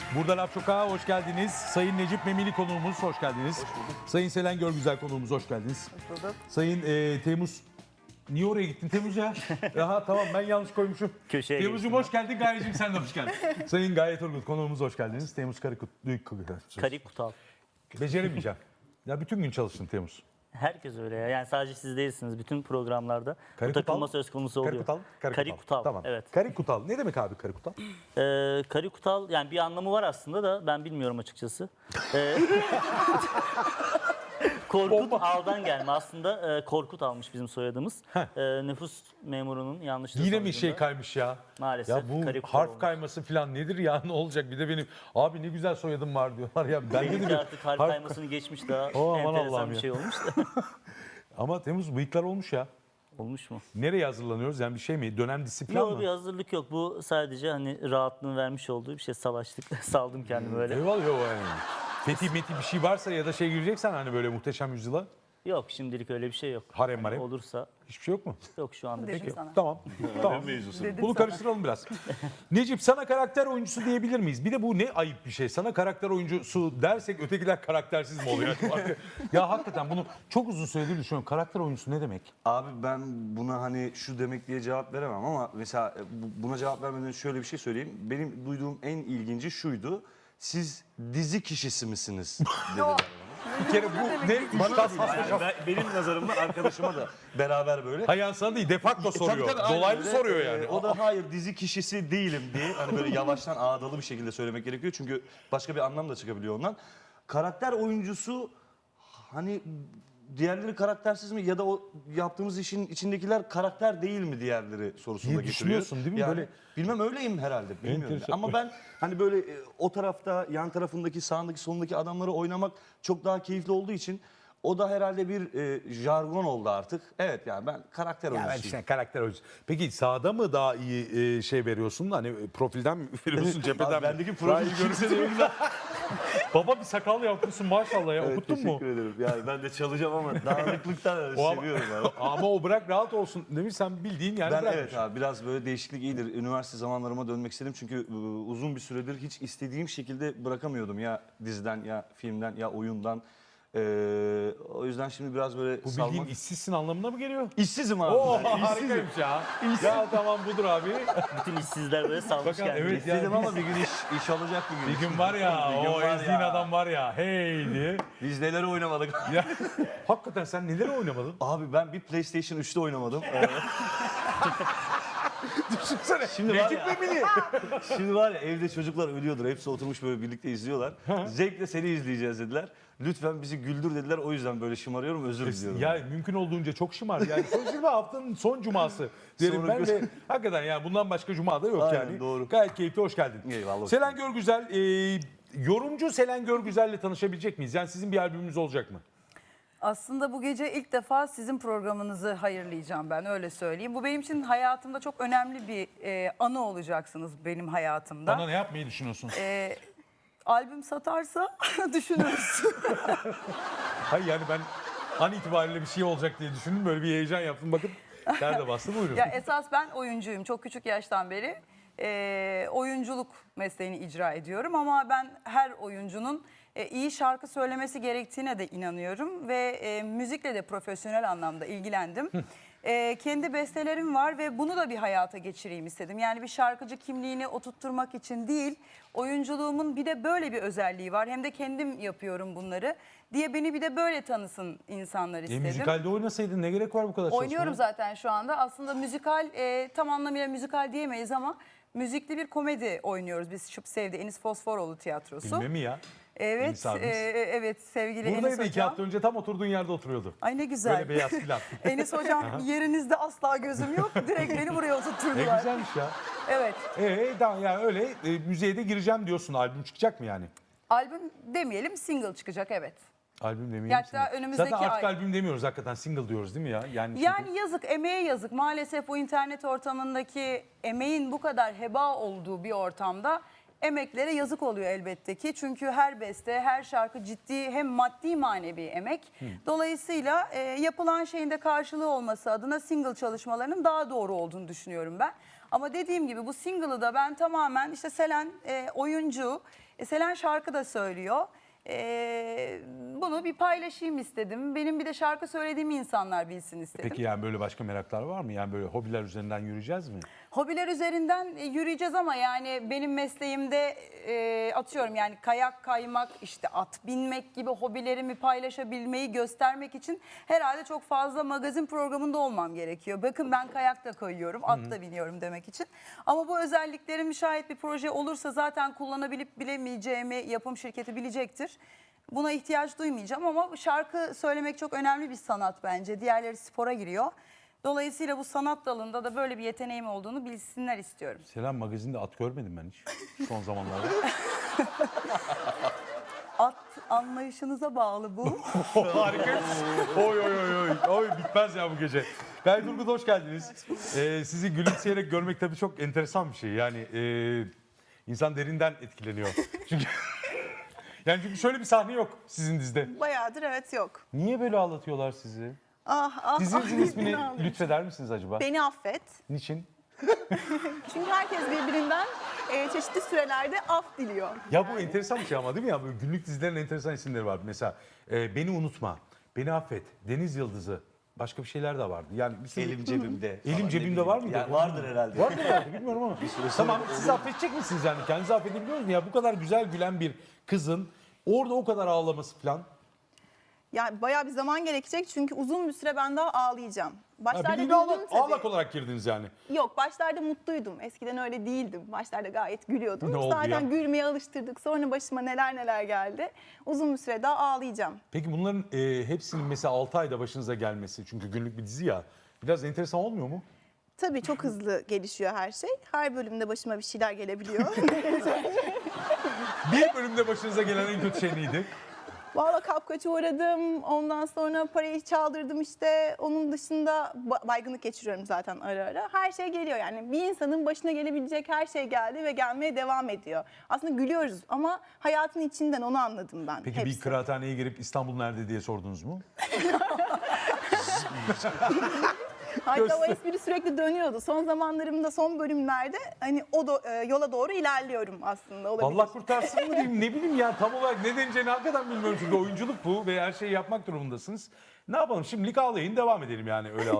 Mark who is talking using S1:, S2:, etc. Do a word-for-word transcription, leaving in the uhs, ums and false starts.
S1: Burada Laf Sokak'a hoş geldiniz. Sayın Necip Memili konuğumuz hoş geldiniz. Hoş Sayın Selen Görgüzel konuğumuz hoş geldiniz.
S2: Hoş bulduk.
S1: Sayın e, Temmuz... Niye oraya gittin Temmuz ya? Aha tamam ben yanlış koymuşum.
S3: Köşeye
S1: Temmuz'cum hoş geldin. Gayecim sen de hoş geldin. Sayın Gaye Turgut konuğumuz hoş geldiniz. Temmuz Karikut...
S3: Karikutal.
S1: Beceremeyeceğim. Ya bütün gün çalıştın Temmuz.
S3: Herkes öyle ya. Yani sadece siz değilsiniz. Bütün programlarda bu
S1: Karikutal?
S3: takılma söz konusu oluyor.
S1: Karikutal?
S3: Karikutal.
S1: Tamam.
S3: Evet.
S1: Karikutal. Ne demek abi Karikutal?
S3: Ee, Karikutal yani bir anlamı var aslında da ben bilmiyorum açıkçası. Ee, Korkut Al'dan gelme. Aslında e, Korkut almış bizim soyadımız. E, nüfus memurunun yanlışlığı
S1: Yine mi
S3: sonucunda
S1: şey kaymış ya?
S3: Maalesef.
S1: Ya bu
S3: Karikutal
S1: harf
S3: olmuş.
S1: kayması falan nedir ya ne olacak? Bir de benim abi ne güzel soyadım var diyorlar ya. Ben de
S3: Benimki
S1: bir
S3: artık harf kaymasını geçmiş daha
S1: Oh, aman
S3: enteresan
S1: Allah'ım
S3: bir
S1: ya.
S3: şey olmuş da.
S1: Ama Temmuz bıyıklar olmuş ya.
S3: Olmuş mu?
S1: Nereye hazırlanıyoruz? Yani bir şey mi? Dönem disiplin
S3: Yok
S1: mı?
S3: bir hazırlık yok. Bu sadece hani rahatlığın vermiş olduğu bir şey. Salaştık. Saldım kendimi öyle.
S1: Eyvallah yok yani. Fethi meti bir şey varsa ya da şey gireceksen hani böyle muhteşem yüzyıla.
S3: Yok şimdilik öyle bir şey yok.
S1: Harem
S3: Yani
S1: marem.
S3: olursa
S1: Hiçbir şey yok mu?
S3: yok şu anda.
S2: Dedim
S3: Peki.
S2: sana.
S1: Tamam. tamam.
S2: Dedim
S1: Bunu
S2: sana.
S1: karıştıralım biraz. Necip sana karakter oyuncusu diyebilir miyiz? Bir de bu ne ayıp bir şey. Sana karakter oyuncusu dersek ötekiler karaktersiz mi oluyor? Ya hakikaten bunu çok uzun süredir düşünüyorum. Karakter oyuncusu ne demek?
S4: Abi ben buna hani şu demek diye cevap veremem ama mesela bu- buna cevap vermeden şöyle bir şey söyleyeyim. Benim duyduğum en ilginci şuydu. Siz dizi kişisi misiniz? Dediler bana.
S1: Bir kere bu ne?
S4: Bana da değil. Yani ben- benim nazarımda arkadaşıma da beraber böyle.
S1: Hayır sana değil defakto soruyor.
S4: Tabii, tabii, aynen
S1: Dolaylı
S4: öyle.
S1: soruyor
S4: Ee,
S1: yani.
S4: O da hayır dizi kişisi değilim diye hani böyle yavaştan ağdalı bir şekilde söylemek gerekiyor. Çünkü başka bir anlam da çıkabiliyor ondan. Karakter oyuncusu hani diğerleri karaktersiz mi ya da o yaptığımız işin içindekiler karakter değil mi diğerleri sorusunu
S1: Diye
S4: da getiriyor.
S1: düşünüyorsun değil mi?
S4: Yani
S1: Böyle-
S4: bilmem öyleyim herhalde bilmiyorum.
S1: Enteresan.
S4: Ama ben hani böyle e, o tarafta yan tarafındaki sağındaki solundaki adamları oynamak çok daha keyifli olduğu için o da herhalde bir e, jargon oldu artık. Evet yani ben karakter
S1: Ya ben
S4: oyuncusuyum.
S1: işte karakter oyuncusu. Peki sağda mı daha iyi e, şey veriyorsun? Hani e, profilden mi veriyorsun cepheden
S4: Abi
S1: mi?
S4: bendeki
S1: Daha
S4: profil
S1: iyi görünse de güzel. Baba bir sakal yapmışsın maşallah ya.
S4: Evet,
S1: Okuttun mu?
S4: teşekkür ederim. Yani ben de çalacağım ama dağınıklıktan
S1: O ama-
S4: seviyorum abi.
S1: Ama o bırak rahat olsun demiş sen bildiğin yani
S4: Ben
S1: bırakmış.
S4: evet abi biraz böyle değişiklik iyidir. Üniversite zamanlarıma dönmek istedim çünkü e, uzun bir süredir hiç istediğim şekilde bırakamıyordum. Ya diziden ya filmden ya oyundan. Ee, o yüzden şimdi biraz böyle
S1: Bu
S4: salmak...
S1: bildiğin işsizsin anlamına mı geliyor?
S4: İşsizim abi.
S1: Oo
S4: ben, işsizim.
S1: harikaymış ya. Ya tamam budur abi.
S3: Bütün işsizler böyle salmış
S1: Bakın,
S3: kendini.
S1: evet.
S4: İşsizim ama bir gün iş, iş olacak bir gün.
S1: Bir gün var ya
S4: Bir gün
S1: o
S4: var
S1: ezdiğin
S4: ya.
S1: adam var ya hey diye.
S4: Biz neler oynamadık.
S1: Ya, hakikaten sen neler oynamadın?
S4: Abi ben bir PlayStation üçte oynamadım. Ee,
S1: Düşünsene.
S4: Şimdi var
S1: Necip
S4: ya-
S1: Memili.
S4: Şimdi var ya evde çocuklar ölüyordur. Hepsi oturmuş böyle birlikte izliyorlar. Zevkle seni izleyeceğiz dediler. Lütfen bizi güldür dediler. O yüzden böyle şımarıyorum. Özür diliyorum.
S1: Ya mümkün olduğunca çok şımar. Yani sonuçta haftanın son cuması derim
S4: Sonra
S1: ben de. Hakikaten yani bundan başka cuma da yok
S4: Aynen,
S1: yani.
S4: doğru.
S1: Gayet keyifli hoş geldin.
S4: Eyvallah, hoş
S1: Selen Görgüzel, e, yorumcu Selen Görgüzel'le tanışabilecek miyiz? Yani sizin bir albümünüz olacak mı?
S2: Aslında bu gece ilk defa sizin programınızı hayırlayacağım ben öyle söyleyeyim. Bu benim için hayatımda çok önemli bir e, anı olacaksınız benim hayatımda.
S1: Bana ne yapmayı düşünüyorsun?
S2: E, albüm satarsa düşünürüz.
S1: Hayır yani ben an itibariyle bir şey olacak diye düşündüm. Böyle bir heyecan yaptım. Bakın nerede bastı buyurun.
S2: Ya esas ben oyuncuyum. Çok küçük yaştan beri e, oyunculuk mesleğini icra ediyorum. Ama ben her oyuncunun e, iyi şarkı söylemesi gerektiğine de inanıyorum. Ve e, müzikle de profesyonel anlamda ilgilendim. E, kendi bestelerim var ve bunu da bir hayata geçireyim istedim. Yani bir şarkıcı kimliğini oturtturmak için değil, oyunculuğumun bir de böyle bir özelliği var. Hem de kendim yapıyorum bunları diye beni bir de böyle tanısın insanlar
S1: E,
S2: istedim.
S1: müzikalde oynasaydın ne gerek var bu kadar
S2: Oynuyorum
S1: çalışmaya?
S2: zaten şu anda. Aslında müzikal e, tam anlamıyla müzikal diyemeyiz ama müzikli bir komedi oynuyoruz. Biz Şıp Sevdi Enis Fosforoğlu tiyatrosu.
S1: Bilmem mi ya?
S2: Evet,
S1: Enis abimiz.
S2: e, evet sevgili Enis
S1: Buradaydı iki
S2: hocam.
S1: hafta önce tam oturduğun yerde oturuyordu.
S2: Ay ne güzel.
S1: Böyle beyaz filan.
S2: Enis hocam yerinizde asla gözüm yok. Direkt beni buraya
S1: Ne
S2: oturtturdular.
S1: güzelmiş ya.
S2: Evet.
S1: Ee, tamam yani öyle e, müziğe de gireceğim diyorsun. Albüm çıkacak mı yani?
S2: Albüm demeyelim single çıkacak evet.
S1: Albüm demeyelim.
S2: Hatta
S1: single.
S2: önümüzdeki
S1: Zaten artık
S2: ay-
S1: albüm demiyoruz hakikaten single diyoruz değil mi ya? Yani, çünkü-
S2: Yani yazık, emeğe yazık. Maalesef bu internet ortamındaki emeğin bu kadar heba olduğu bir ortamda emeklere yazık oluyor elbette ki. Çünkü her beste, her şarkı ciddi hem maddi manevi emek. Dolayısıyla e, yapılan şeyin de karşılığı olması adına single çalışmalarının daha doğru olduğunu düşünüyorum ben. Ama dediğim gibi bu single'ı da ben tamamen işte Selen e, oyuncu, E, Selen şarkı da söylüyor. E, bunu bir paylaşayım istedim. Benim bir de şarkı söylediğimi insanlar bilsin istedim.
S1: Peki yani böyle başka meraklar var mı? Yani böyle hobiler üzerinden yürüyeceğiz mi?
S2: Hobiler üzerinden e, yürüyeceğiz ama yani benim mesleğimde e, atıyorum yani kayak kaymak, işte at binmek gibi hobilerimi paylaşabilmeyi göstermek için herhalde çok fazla magazin programında olmam gerekiyor. Bakın ben kayak da kayıyorum, at da biniyorum demek için. Ama bu özelliklerim şayet bir proje olursa zaten kullanabilip bilemeyeceğimi yapım şirketi bilecektir. Buna ihtiyaç duymayacağım ama şarkı söylemek çok önemli bir sanat bence. Diğerleri spora giriyor. Dolayısıyla bu sanat dalında da böyle bir yeteneğim olduğunu bilsinler istiyorum.
S1: Selam, magazinde at görmedim ben hiç son zamanlarda.
S2: At anlayışınıza bağlı bu.
S1: Harika. Oy oy oy oy. Oy bitmez ya bu gece. Gayet Turgut hoş geldiniz. Ee, sizi gülümseyerek görmek tabii çok enteresan bir şey. Yani e, insan derinden etkileniyor. Çünkü yani çünkü şöyle bir sahne yok sizin dizide.
S5: Bayağıdır evet yok.
S1: Niye böyle ağlatıyorlar sizi?
S5: Ah ah.
S1: Dizinizin
S5: ah,
S1: ismini
S5: ne olur.
S1: lütfeder misiniz acaba?
S5: Beni affet.
S1: Niçin?
S5: Çünkü herkes birbirinden e, çeşitli sürelerde af diliyor.
S1: Ya bu enteresan bir şey ama değil mi ya? Böyle günlük dizilerin enteresan isimleri var. Mesela e, Beni Unutma, Beni Affet, Deniz Yıldızı, başka bir şeyler de vardı. Yani bir şey...
S4: Elim cebimde.
S1: Elim
S4: falan, ne
S1: cebimde
S4: bileyim.
S1: var mıydı?
S4: Yani vardır herhalde.
S1: Vardır herhalde bilmiyorum ama.
S4: süre sonra
S1: Tamam
S4: olur.
S1: siz affedecek misiniz yani? Kendinizi affedebiliyor musunuz? Ya bu kadar güzel gülen bir kızın orada o kadar ağlaması falan.
S5: Yani bayağı bir zaman gerekecek çünkü uzun bir süre ben daha ağlayacağım.
S1: Ha,
S5: Başlarda
S1: bildiğin
S5: güldüm
S1: ağlak,
S5: tabii.
S1: ağlak olarak girdiniz yani.
S5: Yok başlarda mutluydum. Eskiden öyle değildim. Başlarda gayet gülüyordum.
S1: Ne oldu
S5: Zaten
S1: ya?
S5: gülmeye alıştırdık. Sonra başıma neler neler geldi. Uzun bir süre daha ağlayacağım.
S1: Peki bunların e, hepsinin mesela altı ayda başınıza gelmesi, çünkü günlük bir dizi ya, biraz enteresan olmuyor mu?
S5: Tabii çok hızlı gelişiyor her şey. Her bölümde başıma bir şeyler gelebiliyor.
S1: Bir bölümde başınıza gelen en kötü şey neydi?
S5: Valla kapkaça uğradım. Ondan sonra parayı çaldırdım işte. Onun dışında ba- baygınlık geçiriyorum zaten ara ara. Her şey geliyor yani. Bir insanın başına gelebilecek her şey geldi ve gelmeye devam ediyor. Aslında gülüyoruz ama hayatın içinden onu anladım ben.
S1: Peki
S5: hepsi.
S1: bir kıraathaneye girip İstanbul nerede diye sordunuz mu?
S5: Hatta o espri sürekli dönüyordu. Son zamanlarımda, son bölümlerde hani o do- e, yola doğru ilerliyorum aslında. Olabilir.
S1: Allah kurtarsın mı diyeyim, ne bileyim ya, tam olarak ne deneceğini hakikaten bilmiyorum çünkü oyunculuk bu ve her şeyi yapmak durumundasınız. Ne yapalım, şimdilik ağlayın, devam edelim yani öyle